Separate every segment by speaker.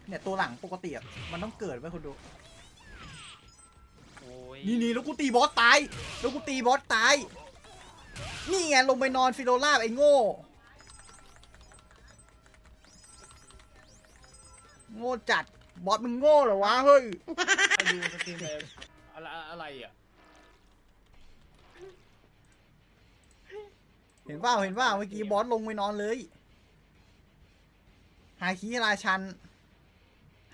Speaker 1: เนี่ยตัวหลังปกติมันต้องเกิดไว้คนดู
Speaker 2: โอ้ย
Speaker 1: นี่แล้วกูตีบอสตายแล้วกูตีบอสตายนี่ไงลงไปนอนฟิโลลาบไอ้โง่โง่จัดบอสมึงโง่เหรอวะเฮ้ย
Speaker 3: ไปดูสตรีมไปอะไรอ่ะ
Speaker 1: เห็นเปล่าเมื่อกี้บอสลงไปนอนเลยหาคีราชันเ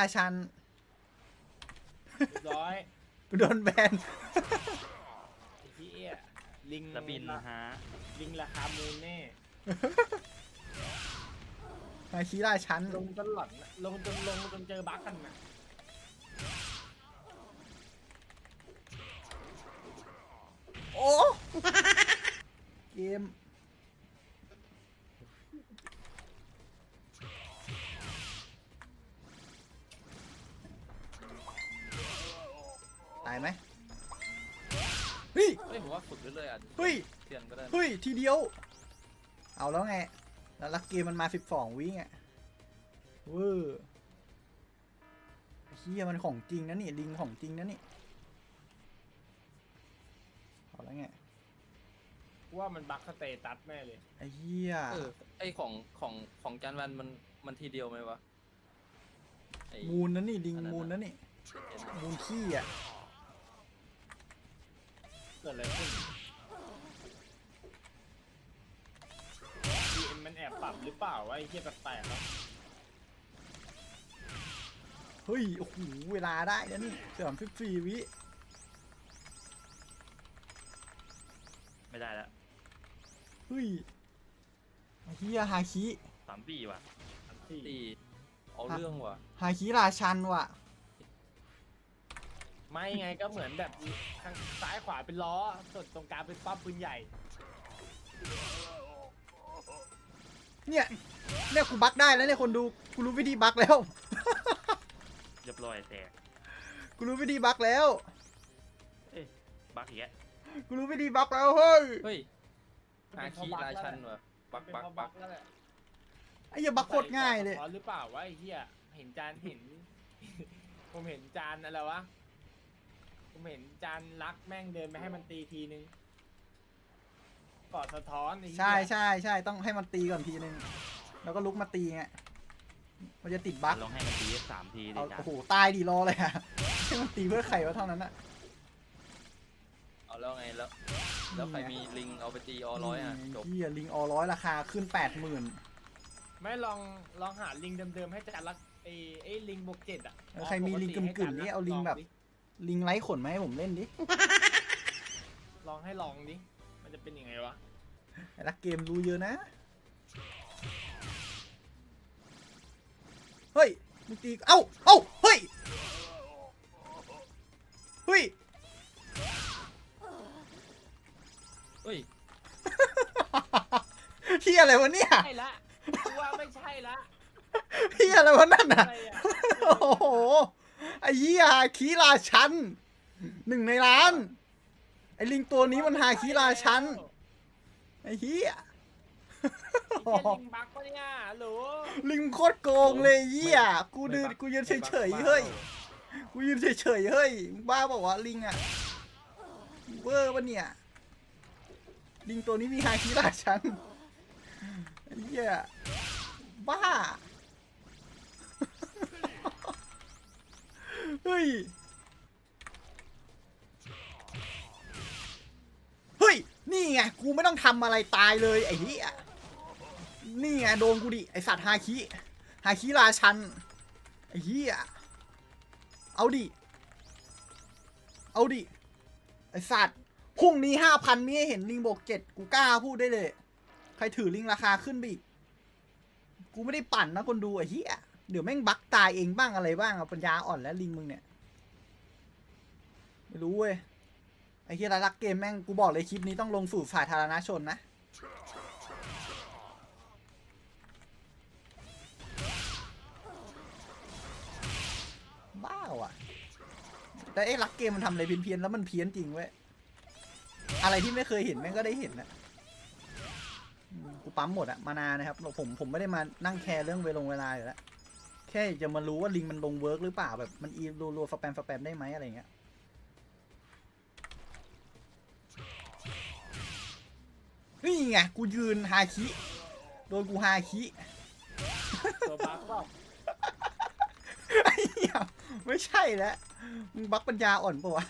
Speaker 3: รียบร้อย
Speaker 1: โดนแบน
Speaker 3: ไอ้ที่ลิง
Speaker 2: ระบินฮะ
Speaker 3: ลิงราคามูลแน่
Speaker 1: หาคีราชัน
Speaker 3: ลงจนหลอนน่ะลงจนเจอบั๊กกันนะ
Speaker 1: โอ้เกมตายไหมเฮ้ย
Speaker 2: เฮ้ยผมว่าฝึกเรื่อยๆอ่ะ
Speaker 1: เฮ้ย
Speaker 2: เทียนก็ได้
Speaker 1: เฮ้ยทีเดียวเอาแล้วไงแล้วลักเกมมันมา12 วิอ่ะเว้อเฮียมันของจริงนะนี่ลิงของจริงนะนี่เอาแล้วไง
Speaker 3: ว่ามันบั๊กสเตตัสแม่เลย
Speaker 1: ไอ้เฮีย
Speaker 2: ไอของจานวันมันทีเดียวไหมวะไอ้
Speaker 1: มูลนะนี่ลิงมูลนะนี่มูลขี้อ่ะ
Speaker 3: เกิดอะไรขึ้น DM มันแอบปรับหรือเปล่าวะไอ้เหี้ยแปลกๆครับ
Speaker 1: เฮ้ยโอ้โหเวลาได้แล้วนี่34 วิ
Speaker 2: ไม่ได้แล้ว
Speaker 1: เฮ้ยไอ้เฮียฮาคิ
Speaker 2: 3 ปีว่ะ
Speaker 3: ที่
Speaker 2: ตีเอาเรื่องว่ะ
Speaker 1: ฮาคิราชันว่ะ
Speaker 3: ไม่ไงก็เหมือนแบบทางซ้ายขวาเป็นล้อส่วนตรงกลางเป็นปั๊มปืนใหญ่
Speaker 1: เนี่ยกูบักได้แล้วเนี่ยคนดูกูรู้วิธีบักแล้ว
Speaker 2: เรียบร้อยแตก
Speaker 1: กูรู้วิธีบักแล้ว
Speaker 2: เอ้ยบักอีกแล้ว
Speaker 1: กูรู้วิธีบักแล้วเฮ้ย
Speaker 2: เฮ้ยหาคีราชันว่ะบัก
Speaker 3: เป็น
Speaker 2: บัก
Speaker 3: เพราะ
Speaker 2: บั
Speaker 3: บั
Speaker 2: ก
Speaker 3: กแล้วแหละ
Speaker 1: ไอ้เหี้ยบักโคตรง่ายเลย
Speaker 3: หรือเปล่าวะไอ้เหี้ยเห็นจานเห็น ผมเห็นจานอะไรวะผมเห็นจานรักแม่งเดินไปให้มันตีทีนึงกอดสะท้อนไอ้เหี้ย
Speaker 1: ใช่ต้องให้มันตีก่อนทีนึงแล้วก็ลุกมาตีไงมันจะติดบัก
Speaker 2: ลองให้มันตี3 ทีดิ
Speaker 1: เอา
Speaker 2: จ้ะ
Speaker 1: โอ้โหตายดิรอเลยอะ ให้มันตีเพื่อไข่วะเท่านั้นอะ
Speaker 2: เอาแล้วไงแล้วใครมีลิงเอาไปตีอ100อ่ะจบ
Speaker 1: เฮียลิงอ100ราคาขึ้น 80,000
Speaker 3: ไม่ลองหาลิงเดิมๆให้จานรักไอ้ลิงบวก7อ่ะ
Speaker 1: ใครมีลิงกึ่งๆนี่เอาลิงแบบ ลิงไร้ขนมาให้ผมเล่นดิ
Speaker 3: ลองดิมันจะเป็นยังไงวะ
Speaker 1: ไอ้รักเกมรู้เยอะนะเฮ้ยมึงตีเอ้าเฮ้ย
Speaker 2: เฮ้ย
Speaker 1: เฮียอะไรวะเนี่ย
Speaker 3: ใช่ละกูว่าไม่ใช่ละ
Speaker 1: เฮียอะไรวะนั่นน่ะ
Speaker 3: อะไรอะ
Speaker 1: โอ้โหไอ้เฮียฮาคิราชัน1 ในล้านไอ้ลิงตัวนี้มันฮาคิราชันไอ้เฮีย
Speaker 3: ไอ้เหี้ยลิงบักปะเนี่ยหรู
Speaker 1: ลิงโคตรโกงเลยเฮียกูยืนเฉยๆเฮ้ยกูยืนเฉยๆเฮ้ยมึงบ้าบอกว่าวะลิงอะเวอร์ปะเนี่ยลิงตัวนี้มีฮาคิราชันไอ้เฮียบ้าเฮ้ยนี่ไงกูไม่ต้องทำอะไรตายเลยไอ้เหี้ยนี่ไงโดนกูดิไอสัตว์ฮาคิราชันไอ้เหี้ยเอาดิไอสัตว์พรุ่งนี้ 5,000มีให้เห็นลิงบวก7กูกล้าพูดได้เลยใครถือลิงราคาขึ้นไปอีกกูไม่ได้ปั่นนะคนดูไอ้เหี้ยเดี๋ยวแม่งบักตายเองบ้างอะไรบ้างเอาปัญญาอ่อนแล้วลิงมึงเนี่ยไม่รู้เว้ยไอ้เหี้ยรักเกมแม่งกูบอกเลยคลิปนี้ต้องลงสู่สาธารณชนนะบ้าว่ะแต่ไอ้รักเกมมันทำอะไรเพี้ยนๆแล้วมันเพี้ยนจริงเว้ยอะไรที่ไม่เคยเห็นแม่งก็ได้เห็นนะกูปั๊มหมดอะมานานนะครับผมไม่ได้มานั่งแคร์เรื่องเวลาอยู่แล้วแค่จะมารู้ว่าลิงมันลงเวิร์กหรือเปล่าแบบมันอีรัวๆสแปมได้ไหมอะไรเงี้ยนี่ไงกูยืนฮาคิโดนกูฮาคิ
Speaker 3: ตัวบักเปล่า
Speaker 1: ไอ้เหี้ยไม่ใช่แล้วมึงบักปัญญาอ่อนปะวะ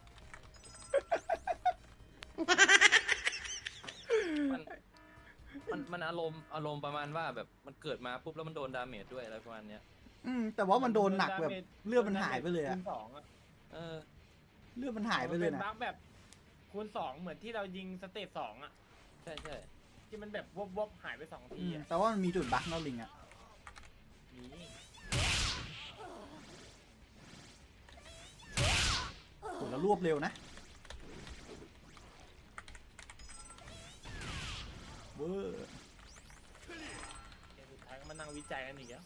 Speaker 2: มันอารมณ์ประมาณว่าแบบมันเกิดมาปุ๊บแล้วมันโดนดาเมจด้วยอะไรประมาณเนี้ย
Speaker 1: แต่ว่ามันโดนหนักแบบเลือดมันหายไปเลย
Speaker 3: คู
Speaker 1: อะ
Speaker 3: ณสองอะ
Speaker 2: เออ
Speaker 1: เลือดมันหายไปเลย
Speaker 3: มัน
Speaker 1: นะ
Speaker 3: เป็นบักแบบคูณสองเหมือนที่เรายิงสเตจสองอะ
Speaker 2: ใช่ใช่
Speaker 3: ที่มันแบบวบหายไปสองทีอะ
Speaker 1: แต่ว่ามันมีจุดบักเนาะลิงอะ
Speaker 3: นี่
Speaker 1: โหแล้วรวบเร็วนะเวอร์
Speaker 3: เดี๋ยวสุดท้ายก็มานั่งวิจัยกันอีกแล้ว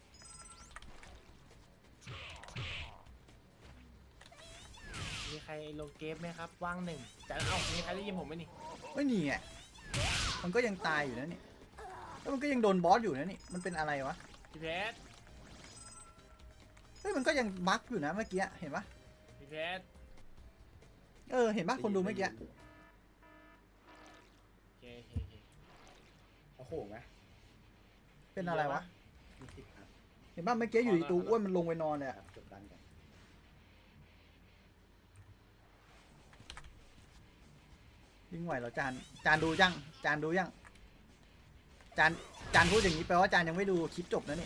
Speaker 3: มีใครลงเกมไหมครับว่างหนึ่งจะเอ้ามีใครได้ยินผมไหมนี่
Speaker 1: ไม่หนีอ่ะมันก็ยังตายอยู่นะนี่แล้วมันก็ยังโดนบอสอยู่นะนี่มันเป็นอะไรวะ
Speaker 3: พี่เพชร
Speaker 1: เฮ้ยมันก็ยังบักอยู่นะเมื่อกี้เห็นปะ
Speaker 3: พี่เพชร
Speaker 1: เห็นปะคนดูเมื่อกี้
Speaker 3: โอเคโอเคโอเค
Speaker 4: โอ้โหไหม
Speaker 1: เป็นอะไรวะ
Speaker 4: มีสิบครับ
Speaker 1: เห็นปะเมื่อกี้อยู่ดีตัวอ้วนมันลงไปนอนเลยอะ
Speaker 4: จบดันกัน
Speaker 1: ยิงไหวเหรอจานดูยังจานดูยังจานพูดอย่างนี้แปลว่าจานยังไม่ดูคลิปจบนะนี่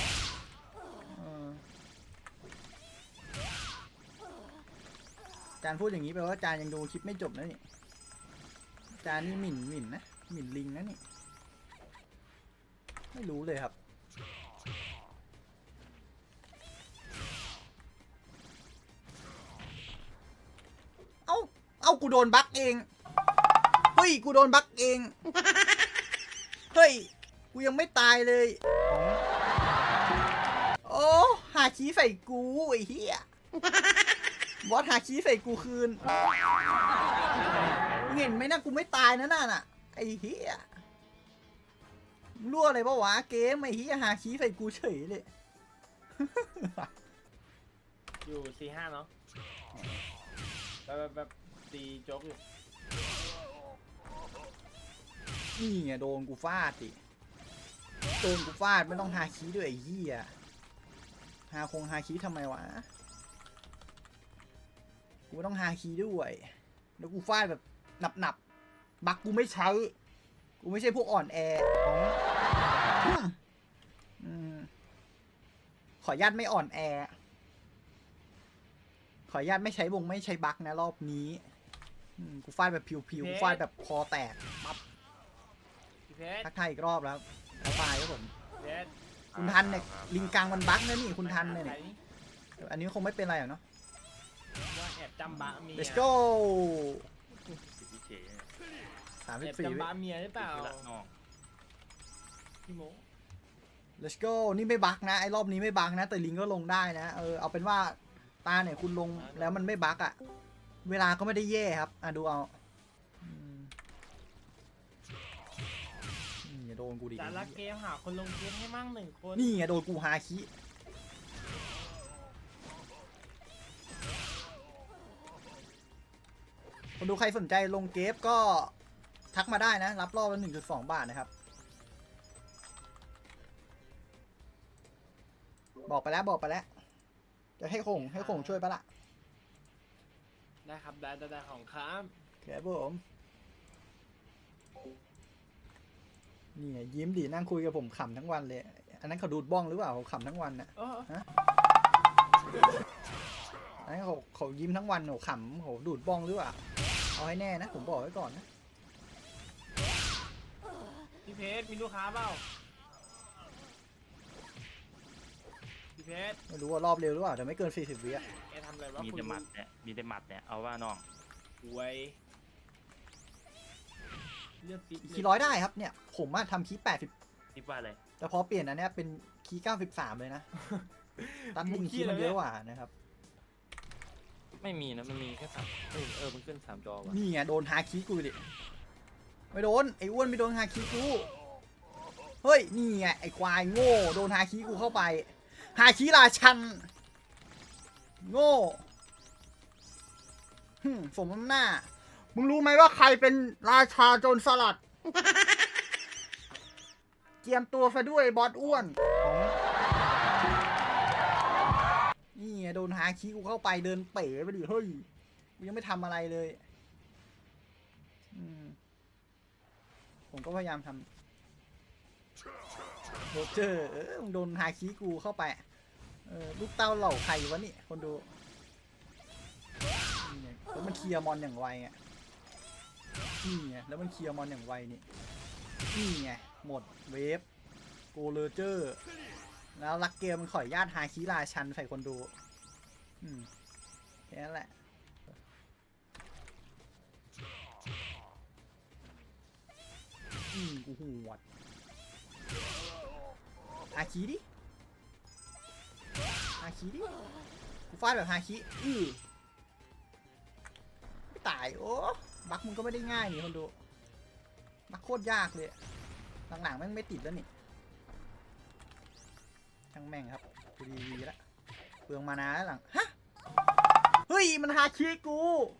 Speaker 1: จานพูดอย่างนี้แปลว่าจานยังดูคลิปไม่จบนะนี่จานนี่หมิ่นนะหมิ่นลิงนะนี่ไม่รู้เลยครับ เอ้ากูโดนบั๊กเองเฮ้ยกูโดนบั๊กเองเฮ้ยกูยังไม่ตายเลยโอ้หาชี้ใส่กูไอ้เหี้ยบอสหาชี้ใส่กูคืนมึงเห็นไหมนะกูไม่ตายนะน่ะไอ้เหี้ยรั่วอะไรปะวะเกมไอ้เหี้ยหาชี้ใส่กูเฉยเลย
Speaker 3: อยู่4-5เนาะแบบตีโจ๊กอยู่
Speaker 1: นี่ไงโดนกูฟาดดิโดนกูฟาดไม่ต้องหาคีด้วยไอ้เหี้ยหาคีทำไมวะกูไม่ต้องหาคีด้วยแล้วกูฟาดแบบหนับบักกูไม่ใช้กูไม่ใช่พวกอ่อนแอขออนุญาตไม่อ่อนแอขออนุญาตไม่ใช้ไม่ใช้บักนะรอบนี้กูฟาดแบบผิวกูฟาดแบบคอแตกปั๊บ
Speaker 3: พี่เพชร
Speaker 1: ทักทายอีกรอบแล้วแล้วตายครับผม
Speaker 3: เพชร
Speaker 1: คุณทันเนี่ยลิงกังมันบั๊กนะนี่คุณทันเนี่ย
Speaker 3: ใคร
Speaker 1: อันนี้คงไม่เป็นไรหรอกเนาะ
Speaker 3: ว่าแอบจำบะเมีย
Speaker 1: let's go
Speaker 5: สิบวิเฉย
Speaker 1: สาม
Speaker 3: แอ
Speaker 1: สิ
Speaker 3: บบ
Speaker 1: สี่
Speaker 3: จำบะเมียหรือเปล่า
Speaker 5: ละน้อง
Speaker 3: พี่โม
Speaker 1: let's go นี่ไม่บั๊กนะไอ้รอบนี้ไม่บั๊กนะแต่ลิงก็ลงได้นะเอาเป็นว่าตาเนี่ยคุณลงแล้วมันไม่บั๊กอะเวลาก็ไม่ได้แย่ครับดูเอานี่อย่าโดนกูดิ
Speaker 3: จานรักเกมหาคนลงเกมให้มั่งหนึ่งคน
Speaker 1: นี่ไงโดนกูฮาคิคนดูใครสนใจลงเกฟก็ทักมาได้นะรับรอบละ 1.2 บาทนะครับบอกไปแล้วจะให้คงช่วยปะล่ะ
Speaker 3: ได้ครับได้ของครับ
Speaker 1: ครับผมนี่ไงยิ้มดินั่งคุยกับผมขำทั้งวันเลยอันนั้นเขาดูดบ้องหรือเปล่าเขาขำทั้งวันน่ะ
Speaker 3: เออ
Speaker 1: อันนั้นเขายิ้มทั้งวันเขาขำเขาดูดบ้องหรือเปล่าเอาให้แน่นะผมบอกไว้ก่อนนะ
Speaker 3: พี่เพชรมีลูกค้าเปล่าพี่เพชร
Speaker 1: ไม่รู้ว่ารอบเร็วหรือเปล่าแต่ไม่เกิน40 วิอะ
Speaker 3: แกทำอะไรวะ
Speaker 5: มีแต่หมัดเนี่ยมีแต่หมัดเนี่ยเอาว่าน้อง
Speaker 3: หวยเลือกติ๊ก
Speaker 1: คีย์100ได้ครับเนี่ยผมอะทำคีย์80
Speaker 5: คิดว่าอะไร
Speaker 1: แต่พอเปลี่ยนอันเนี้ยเป็นคีย์93เลยนะตัดลิงคีย์มันเยอะกว่านะครับ
Speaker 2: ไม่มีนะมันมีแค่3มันขึ้น3 จอว่ะ
Speaker 1: นี่ไงโดนฮาคีย์กูดิไม่โดนไอ้อ้วนไม่โดนฮาคีย์กูเฮ้ยนี่ไงไอ้ควายโง่โดนฮาคีย์กูเข้าไปฮาคิราชันโง่สมน้ำหน้ามึงรู้ไหมว่าใครเป็นราชาโจรสลัดเจียมตัวซะด้วยบอสอ้วนนี่ไงโดนฮาคิกูเข้าไปเดินเป๋ไปดิเฮ้ยกูยังไม่ทำอะไรเลยผมก็พยายามทำโรเจอร์มึงโดนฮาคิกูเข้าไปลูกเต้าเหล่าใครวะนี่คนดูนี่ไงแล้วมันเคลียร์มอนอย่างไวอ่ะนี่ไงแล้วมันเคลียร์มอนอย่างไวนี่ไงหมดเวฟโกเลเจอร์แล้วลักเกมมันขออนุญาตฮาคิราชันใส่คนดูแค่นั้นแหละกูหวดฮาคิดิฮาคิดิกูฟาดแบบฮาคิไม่ตายโอ้บักมึงก็ไม่ได้ง่ายนี่คนดูบักโคตรยากเลยหลังๆแม่งไม่ติดแล้วนี่ช่างแม่งครับกูดีแล้วเปลืองมานาแล้วหลังฮะเฮ้ยมันฮาคิกู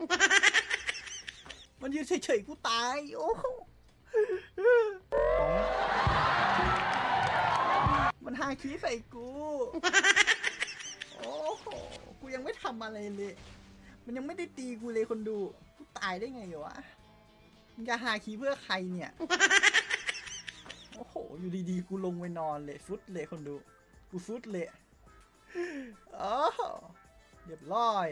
Speaker 1: มันยืนเฉยๆกูตายโอ้มันฮาคิใส่กูโอ้โหกูยังไม่ทำอะไรเลยมันยังไม่ได้ตีกูเลยคนดูกูตายได้ไงวะมึงจะฮาคิเพื่อใครเนี่ยโอ้โหอยู่ดีๆกูลงไปนอนเลยฟุดเลยคนดูกูฟุดเลยอ๋อเรียบร้อย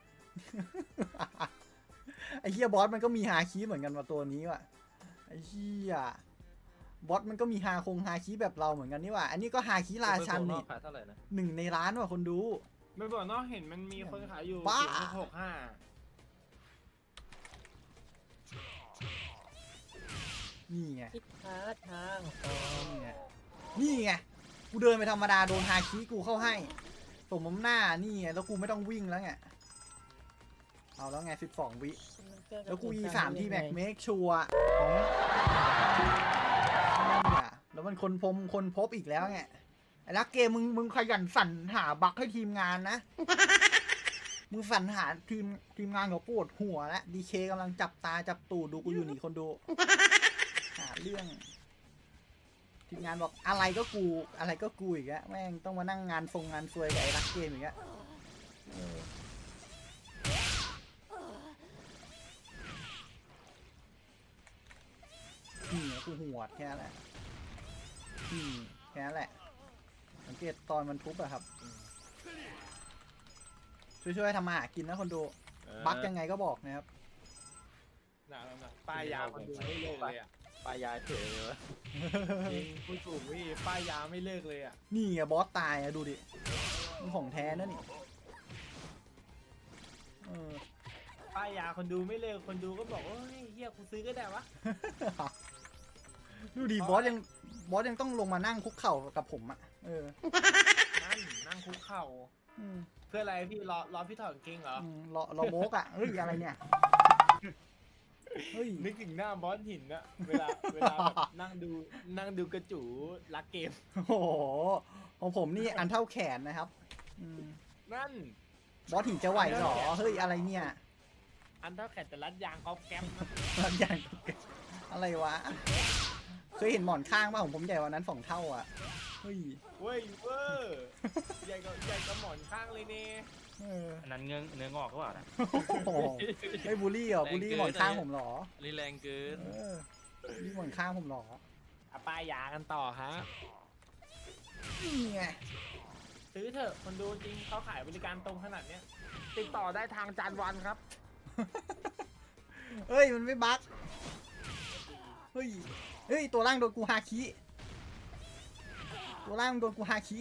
Speaker 1: ไอ้เฮียบอสมันก็มีฮาคิเหมือนกันว่ะตัวนี้ว่ะไอ้เฮียบอสมันก็มีฮาคิแบบเราเหมือนกันนี่ว่ะอันนี้ก็ฮาคิราชันนี่
Speaker 2: ขายเท่าไหร่นะ
Speaker 1: 1 ในร้านว่ะคนดู
Speaker 3: ไม่บอกเนาะเห็นมันมีคนขายอยู่
Speaker 1: บ้า
Speaker 3: 0.65
Speaker 1: นี่ไง
Speaker 6: คิดหาทาง
Speaker 1: นี่ไงกูเดินไปธรรมดาโดนฮาคิกูเข้าให้สมน้ำหน้านี่ไงแล้วกูไม่ต้องวิ่งแล้วไงเอาแล้วไง12 วิแล้วกู3ที่แม็กเมคชัวร์แล้วมันคนพบอีกแล้วไงไอ้ลักเกมมึงขยันสรรหาบั๊กให้ทีมงานนะมึงสรรหาทีมงานเขาปวดหัวแล้วดีเคกำลังจับตาจับตูดดูกูอยู่นี่คนดูหาเรื่องทีมงานบอกอะไรก็กูอีกแล้วแม่งต้องมานั่งงานซวยกับไอ้ลักเกมอีกแล้วนี่กูหัวแค่นั้นแหละแค่นั้นแหละสังเกตตอนมันทุบอะครับช่วยๆทำมาหากินนะคนดูบั๊กยังไงก็บอกนะครับ
Speaker 3: น่ะป้ายยาคนดูไม่เลิกเลยอ่ะ
Speaker 2: ปลายยาเฉยเลยวะ
Speaker 3: จริงพูดถูกพี่ป้ายยาไม่เลิกเลยอ่ะ
Speaker 1: นี่ไงบอสตายอะดูดิมันของแท้นะนี่
Speaker 3: ป้ายยาคนดูไม่เลิกคนดูก็บอกว่าเฮ้ยเฮียกูซื้อก็ได้วะ
Speaker 1: ดูดิบอสยังต้องลงมานั่งคุกเข่ากับผมอะ
Speaker 3: นั่งคุกเข่าเพื่ออะไรพี่รอพี่ถอดกางเกงเหรอ
Speaker 1: รอโมกอะเฮ้ยอะไรเนี่ยเฮ้ย
Speaker 3: นึกถึงหน้าบอสหินอะเวลาแบบนั่งดูกระจูรักเกม
Speaker 1: โอ้โหของผมนี่อันเท่าแขนนะครับ
Speaker 3: นั่น
Speaker 1: บอสหินจะไหวเหรอเฮ้ยอะไรเนี่ย
Speaker 3: อันเท่าแขนแต่รัดยางก๊อบแก๊มนะ
Speaker 1: รัดยางอะไรวะเคยเห็นหมอนข้างป่ะของผมใหญ่กว่านั้น2 เท่าอ่ะเฮ้ย
Speaker 3: เว้ยเวอร์ใหญ่กว่าหมอนข้างเลยเนี่ย
Speaker 5: อันนั้นเนื้องอกก็เปล่านะ
Speaker 1: โอ้โหไม่บูลลี่เหรอบูลลี่หมอนข้างผมเหรอ
Speaker 2: รีแรงเกิน
Speaker 1: บูลลี่หมอนข้างผมเหรอ
Speaker 3: เอาป้ายยากันต่อฮะ
Speaker 1: นี่ไง
Speaker 3: ซื้อเถอะคนดูจริงเขาขายบริการตรงขนาดเนี้ยติดต่อได้ทางจานวันครับ
Speaker 1: เฮ้ยมันไม่บั๊กเฮ้ยตัวล่างโดนกูฮาคิตัวล่างโดนกูฮาคิ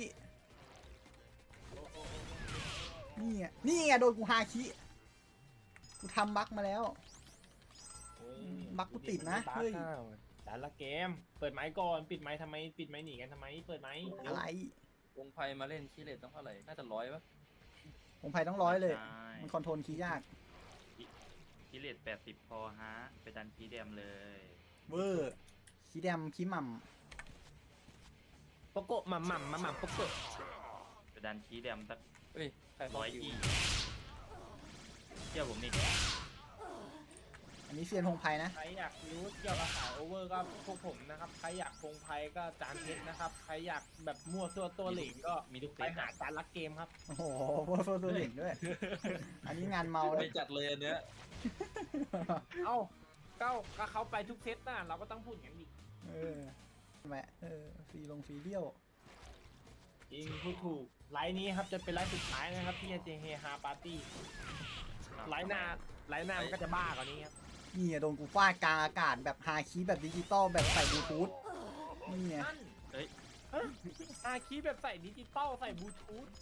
Speaker 1: นี่ไงโดนกูฮาคิกูทำบั๊กมาแล้ว บั๊กกูติดนะเฮ้ย
Speaker 3: แต่ละเกมเปิดไม้ก่อนปิดไม้ทำไมปิดไม้หนีกันทำไมเปิดไม้
Speaker 1: อะไร
Speaker 2: วงไพ่มาเล่นคีเลตต้องเท่าไหร่น่าจะ100ป่ะ
Speaker 1: ผมไพ่ต้อง100เลย
Speaker 5: ใช่
Speaker 1: มันคอนโทรลคีย์ยาก
Speaker 5: กิเลส80 พอฮะ ไปดันคีย์แดมเลย
Speaker 1: เวอร์คีย์แดมคีย์หม่
Speaker 3: โปโกะหม่ำโปโกะ
Speaker 1: ำ
Speaker 5: จะดันคีย์แดมสัก
Speaker 2: เฮ้ยใครบอ
Speaker 5: ร้
Speaker 2: ก
Speaker 5: อย
Speaker 2: อยู่
Speaker 5: ยี่เชื่อผมนี่
Speaker 1: อันนี้เซียนพงไพนะ
Speaker 3: ใครอยากรู้เกี่ยวกับสายโอเวอร์ก็พวกผมนะครับใครอยากพงไพก็จานเพชรนะครับใครอยากแบบมั่วตัวเหลิงก็
Speaker 5: มีทุกเซ
Speaker 3: ไป
Speaker 5: ต
Speaker 3: หาจานรักเกมครับ
Speaker 1: โอ้โหโฟตัวเหล่งด้วย อันนี้งานเมาเล
Speaker 2: ไม่
Speaker 1: ย
Speaker 2: จัดเลยอันเนี้ย
Speaker 3: เอ้าก็เขาไปทุกเซตน่ะเราก็ต้องพูดอย่างนี้
Speaker 1: เออแหมฟรีเลี้ยว
Speaker 3: จริงพูดถูกไลน์นี้ครับจะเป็นไลน์สุดท้ายนะครับที่จะเฮฮาปาร์ตี้ไลน์หน้ามันก็จะบ้ากว่านี้ครับ
Speaker 1: นี่อะโดนกูฟาดกลางอากาศแบบฮาคีแบบดิจิตอลแบบใส่บลูทูธนี่ไง
Speaker 3: นั่น
Speaker 5: เฮ้ย
Speaker 3: อาคีแบบใส่ดิจิตอลใส่บลูทูธ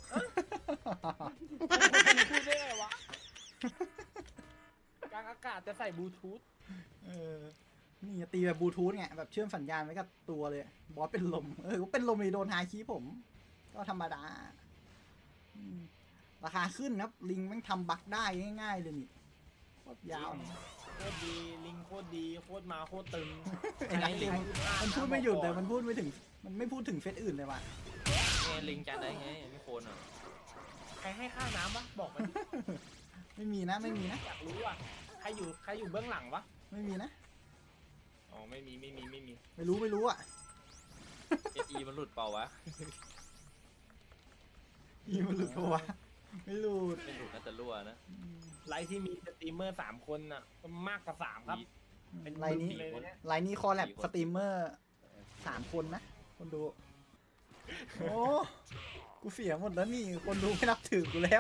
Speaker 3: พูดได้ไงวะกลางอากาศจะใส่บลูทูธ
Speaker 1: เออนี่ตีแบบบลูทูธไงแบบเชื่อมสัญญาณไว้กับตัวเลย บอสเป็นลมก็เป็นลมเลยโดนฮาคีผม ก็ธรรมดาอืมราคาขึ้นครับลิงแม่งทำบั๊กได้ง่ายๆเลยนี่โคตรยาว
Speaker 3: โคตรดีลิงโคตรดีโคตรมาโคตรตึง
Speaker 1: ไอ้นักเกมมันพูดไม่หยุดเลยมันพูดไม่ถึงมันไม่พูดถึงเฟซอื่นเลยว่ะ
Speaker 2: ไงลิงจานได้ไงไม่โคนอ่ะ
Speaker 3: ใครให้ค่าน้ำวะบอกมาดิ
Speaker 1: ไม่มีนะไม่มีนะ
Speaker 3: อยากรู้อ่ะใครอยู่เบื้องหลังวะ
Speaker 1: ไม่มีนะ
Speaker 3: อ๋อไม่มี
Speaker 1: ไม่รู้อ่ะ
Speaker 2: เอสอีมันหลุดเปล่าวะ
Speaker 1: อีมันหลุดปะวะไม่หลุด
Speaker 2: ไม่หลุดน่าจะรั่วนะ
Speaker 3: ไลฟ์ที่มีสตรีมเมอร์3 คนน่ะมากกว่า3ครับ เป็น
Speaker 1: ไลน์นี้
Speaker 3: เลยนะ
Speaker 1: ไลน์นี้คอแลบสตรีมเมอร์3 คนนะ คนดู โอ้กูเสียหมดแล้วนี่ คนดูไม่นับถือกูแล้ว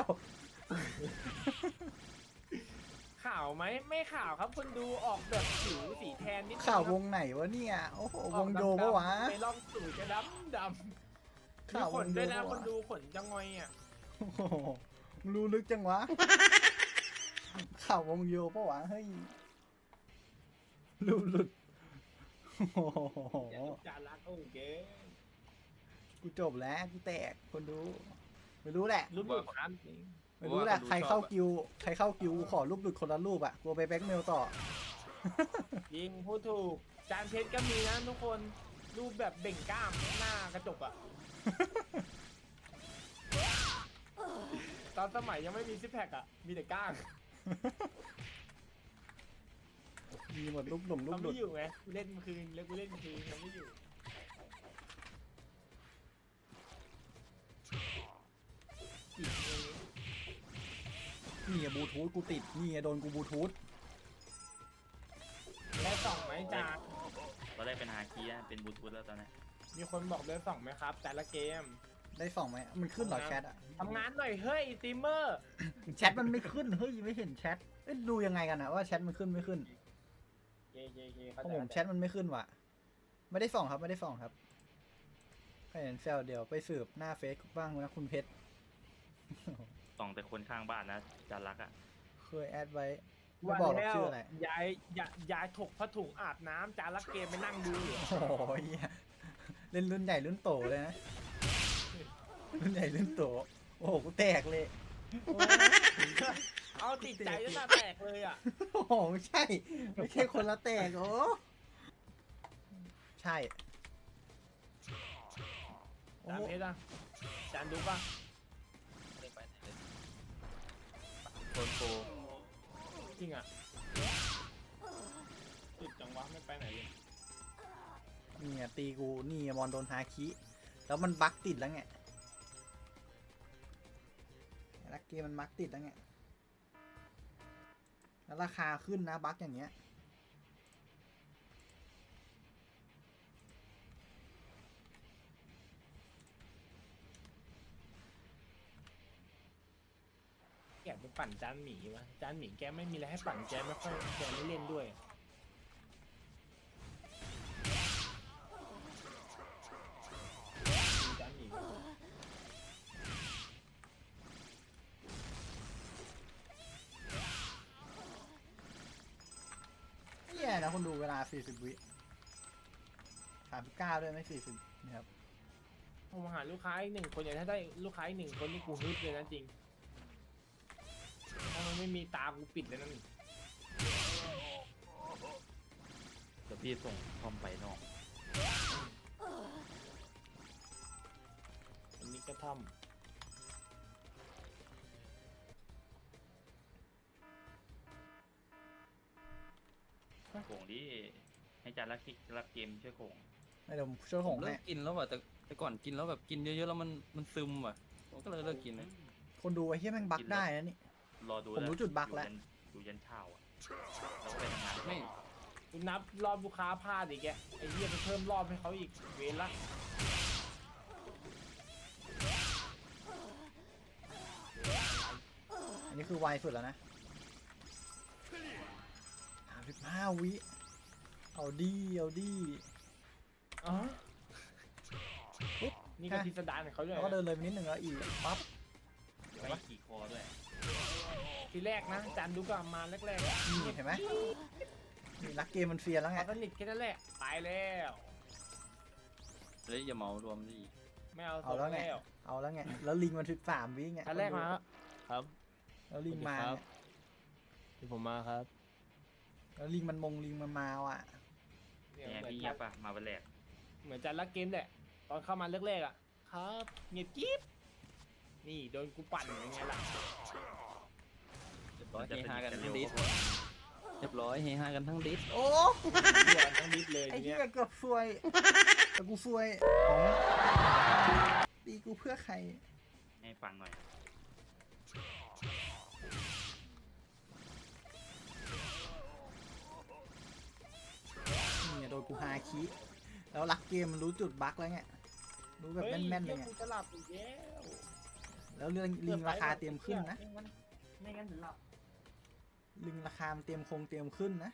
Speaker 3: ข่าวไหมไม่ข่าวครับคนดูออกแบบผิวสีแทนนิดนึง
Speaker 1: ข่าว
Speaker 3: ครับ
Speaker 1: วงไหนวะเนี่ย โอ้โห
Speaker 3: อ
Speaker 1: ว
Speaker 3: อก
Speaker 1: ง
Speaker 3: ดำๆ
Speaker 1: โยปะวะ
Speaker 3: ไปลองสูตรจะดำมี
Speaker 1: ข่าว
Speaker 3: ข
Speaker 1: วน งโย
Speaker 3: ด้วยนะ
Speaker 1: ปะ
Speaker 3: คน
Speaker 1: วะ
Speaker 3: ดูขนจะงอยอ่ะ
Speaker 1: โอ้โหมึงรู้ลึกจังวะ ข่าววงโยปะวะ เฮ้ยรู้หลุดโอ้โห
Speaker 3: อย่าลุกจารักโอเค
Speaker 1: กูจบแล้ว กูแตก คนดู ไม่รู้แหละ
Speaker 3: รูปแบบครับ
Speaker 1: ไม่รู้แหละใครเข้ากิวกูขอรูปหลุดคนละรูปอ่ะกลัวไปแบ็กเมลต่อ
Speaker 3: ยิงพูดถูกจานเพชรก็มีนะทุกคนรูปแบบเบ่งกล้ามหน้ากระจกอ่ะ ตอนสมัยยังไม่มีซิปแพคอ่ะ มีแต่ก้าง
Speaker 1: มีหมดรูปหลุมรูป
Speaker 3: เขา
Speaker 1: หลุ
Speaker 3: ไม่
Speaker 1: ด
Speaker 3: อยู่ไงกูเล่นคืนแล้วกูเล่นคืนเขาไม่อยู่อีกอย่างนี้
Speaker 1: นี่อะบลูทูธกูติดนี่อะโดนกูบลูทูธ
Speaker 3: ได้ส่องไหมจาน
Speaker 5: ตอนแรกเป็นฮาคีย์นะเป็นบลูทูธแล้วตอนนี้
Speaker 3: มีคนบอกได้ส่องไหมครับ แต่ละเกม
Speaker 1: ได้ส่องไหมมันขึ้นเหรอแชทอะ
Speaker 3: ทำงานหน่อยเฮ้ยสตรีมเมอร์
Speaker 1: แชทมันไม่ขึ้นเฮ้ยไม่เห็นแชทเอ้ยดูยังไงกันอะว่าแชทมันขึ้นไม่ขึ้น
Speaker 3: เย่
Speaker 1: เพราะผมแชทมันไม่ขึ้นว่ะไม่ได้ส่องครับไม่ได้ส่องครับใครเห็นแซวเดี๋ยวไปสืบหน้าเฟซบ้างนะคุณเพชร
Speaker 5: ส่องแต่คนข้างบ้านนะจารักอ่ะ
Speaker 1: เคยแอดไว้ไม่บอกหรอกชื่ออะไร
Speaker 3: ยายถกผ้าถุงอาบน้ำจานละเกมไปนั่งดูอยู่
Speaker 1: โอ้โหเหี้ยเล่นรุ่นใหญ่รุ่นโตเลยนะรุ่นใหญ่รุ่นโตโอ้โหกูแตกเลย
Speaker 3: เอาติดใจจนหน้าแตกเลยอ่ะ
Speaker 1: โอ้โหไม่ใช่ไม่ใช่คนละแตกโอ้ใช่โอ้
Speaker 3: จานเพชรอ่ะจานดูป่ะ
Speaker 2: ไม่ได้ไปไหนเลยโคนโปร
Speaker 3: จริงอ่ะติดจังวะไม่ไปไหนเลย
Speaker 1: นี่อะตีกูนี่อะมอนโดนฮาคิแล้วมันบั๊กติดแล้วไงลักเกมมันบั๊กติดแล้วไงแล้วราคาขึ้นนะบั๊กอย่างเงี้ย
Speaker 3: อยากไปปั่นจานหมีวะจานหมีแกไม่มีอะไรให้ปั่นแกไม่ค่อยแกไม่เล่นด้วยจานหมี
Speaker 1: แย่นะคนดูเวลา40 วิ39ด้วยไม่40นะครับ
Speaker 3: ผมหาลูกค้าอีก1 คนอย่างถ้าได้ลูกค้าอีก1 คนนี่กูฮึดเลยนะจริงถ้ามันไม่มีตากูปิดเลยนั่น
Speaker 5: เดี๋ยวพี่ส่งคอมไปนอก
Speaker 3: อันนี้กระท่อม
Speaker 5: โขงดิให้จานรักเกมช่วยโขง
Speaker 1: ไม่เดี๋ยวผมช่วยหง
Speaker 2: เลิ
Speaker 1: ให้
Speaker 2: กกินแล้วว่ะแต่ก่อนกินแล้วแบบกินเยอะๆแล้วมันซึมว่ะผมก็เลยเลิกกินเลย
Speaker 1: คนดูไอ้เหี้ยแม่งบักได้นะนี่
Speaker 5: รอดู
Speaker 1: ผมรู้จุดบั๊กแล้ว
Speaker 5: อยู่ยันเช้าอ่ะแล้วก็ไปทำงาน
Speaker 2: ไม่
Speaker 3: กูนับรอบลูกค้าพลาดอีกแกไอ้เหี้ยไปเพิ่มรอบให้เขาอีกเวรละ
Speaker 1: อันนี้คือไวสุดแล้วนะ35 วิเอาดีเอาดี
Speaker 3: อ๋อนี่ก็พิสดารของเขาด้วย
Speaker 1: แล้วก็เดินเลยไปนิดนึงแล้วอีกปั๊บ
Speaker 5: ไม่ขี่คอด้วย
Speaker 3: ทีแรกนะจานดูก็มาแรกๆอะ
Speaker 1: นี่เห็นไหมนี่รักเกมมันเฟียนแล้วไง
Speaker 3: พอสนิทแค่นั้นแหละตายแล้ว
Speaker 2: เฮ้ยอย่าเหมารวมดิ
Speaker 3: ไม่เอา
Speaker 1: เอาแล้วไง
Speaker 3: แล้ว
Speaker 1: เอาแล้วไงแล้วลิงมัน13 วิไง
Speaker 3: อันแรกมาครับ
Speaker 1: แล้วลิงมา
Speaker 3: สวัสดีครับ ที่ผมมาครับ
Speaker 1: แล้วลิงมันลิงมันมาอ่ะ
Speaker 3: เนี่ย
Speaker 5: เนี่ย
Speaker 3: เหมือน
Speaker 5: พี่เงียบป่ะมาวันแรก
Speaker 3: เหมือนจานรักเกมแหละตอนเข้ามาแรกๆอ่ะครับเงียบกิ๊บนี่โดนกูปั่นยังไงล่ะ
Speaker 2: เรียบร้อยเฮฮากันทั้งดิสเรียบร้อยเฮฮากันทั้งดิส
Speaker 1: โอ้
Speaker 3: เดือดทั้งนิดเลย
Speaker 1: ไอ้
Speaker 3: ที
Speaker 1: เหี้
Speaker 3: เนี้
Speaker 1: ย
Speaker 3: ย
Speaker 1: เกือบซวยแต่กูซวยตีกูเพื่อใคร
Speaker 5: ให้ฟังหน่อย
Speaker 1: นี่ไงโดนกูฮาคิแล้วรักเกมมันรู้จุดบั๊กแล้วไงรู้แบบแม่นๆเลยไง
Speaker 3: ฮ้กูจะหลับอีกแล้ว
Speaker 1: แล้วเรื่องลิงราคาเตรียมขึ้นนะ
Speaker 3: ไม่งั้นถึงหลับ
Speaker 1: ลิงราคามันเตรียมขึ้นนะ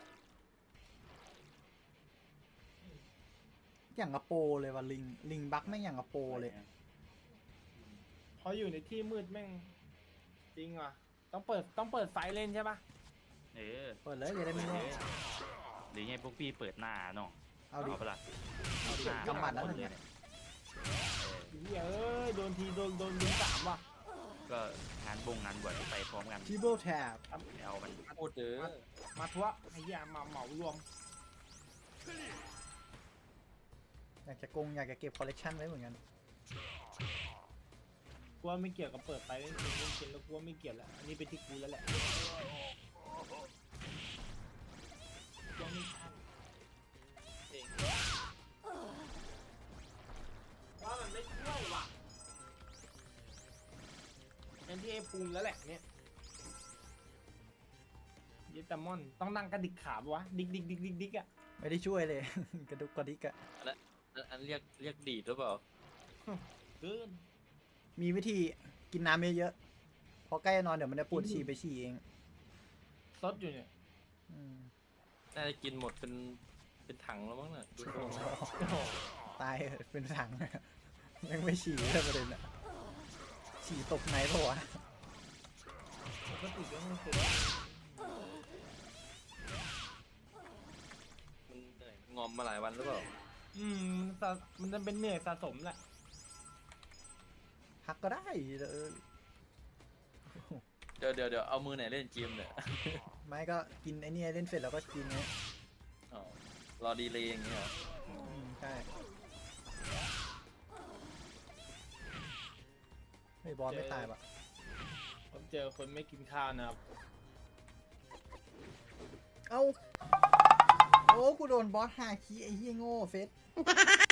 Speaker 1: อย่างกระโปรเลยว่ะลิงบั๊กไม่งอย่างกระโปรเลย
Speaker 3: พออยู่ในที่มืดแม่งจริงว่ะต้องเปิดไฟเล่นใช่ปะ
Speaker 5: เออ
Speaker 1: เปิดเลยอย่าได้ไม่รู้
Speaker 5: หรือไงพวกพี่เปิดหน้าเนาะ
Speaker 1: เอาดิ
Speaker 5: เอาเปะล่า
Speaker 1: กำหมัดแล้วหนึ่ง
Speaker 5: เอ
Speaker 1: เนี่ย
Speaker 3: เหี้ยเอ้ยโดนทีโดนลิงสามว่ะ
Speaker 5: ก็งานงานบวชไปพร้อมกัน
Speaker 1: ทิเบิลแท็บ
Speaker 5: เอามัน
Speaker 2: พูดเด้อ
Speaker 3: มาทัวร์ไอ้เหี้ยมาเหมารวม
Speaker 1: อยากจะอยากจะเก็บคอลเลกชันไว้เหมือนกัน
Speaker 3: กูว่าไม่เกี่ยวกับเปิดไฟเล่นเกมแล้วกูว่าไม่เกี่ยวแล้วอันนี้เป็นที่กูแล้วแหละกูว่าไม่ใช่ว่ามันไม่ช่วยว่ะเป็นที่ไอ้ภูมิแล้วแหละเนี่ยเยตามอนต้องนั่งกระดิกขาปะวะดิกอ่ะ
Speaker 1: ไม่ได้ช่วยเลย กระดุกกระดิกอะ
Speaker 2: อันเรียกดีดหรือเปล่า
Speaker 3: เกิน
Speaker 1: มีวิธีกินน้ำเยอะๆพอใกล้จะนอนเดี๋ยวมันจะปวดฉี่ไปฉี่เอง
Speaker 3: ซดอยู่เนี่ย
Speaker 1: อืม
Speaker 2: น่าจะกินหมดเป็นถังแล้วมั้งน่ะดูทรง
Speaker 3: โอ้โห
Speaker 1: ตายเป็นถังยังไม่ฉี่เลยประเด็นอะฉี่ตกไหนปะวะ
Speaker 3: ปกติก็ไม่เคย
Speaker 2: มันเหนื่อยงอมมาหลายวันหรือเปล่า
Speaker 3: มันจะเป็นเหนื่อยสะสมแหละ
Speaker 1: พักก็ได้เออ
Speaker 2: เดี๋ยวเอามือไหนเล่นเกมเนี่ย
Speaker 1: ไม่ก็กินไอ้นี่เล่นเสร็จแล้วก็กินไง
Speaker 2: อ๋อรอดีเลยอย่างเงี้ยเหรอ
Speaker 1: ใช่เฮ้ยบอสไม่ตายปะ
Speaker 3: ผมเจอคนไม่กินข้าวนะครับ
Speaker 1: เอ้าโอ้กูโดนบอสฮาคิไอ้เหี้ยโง่เฟส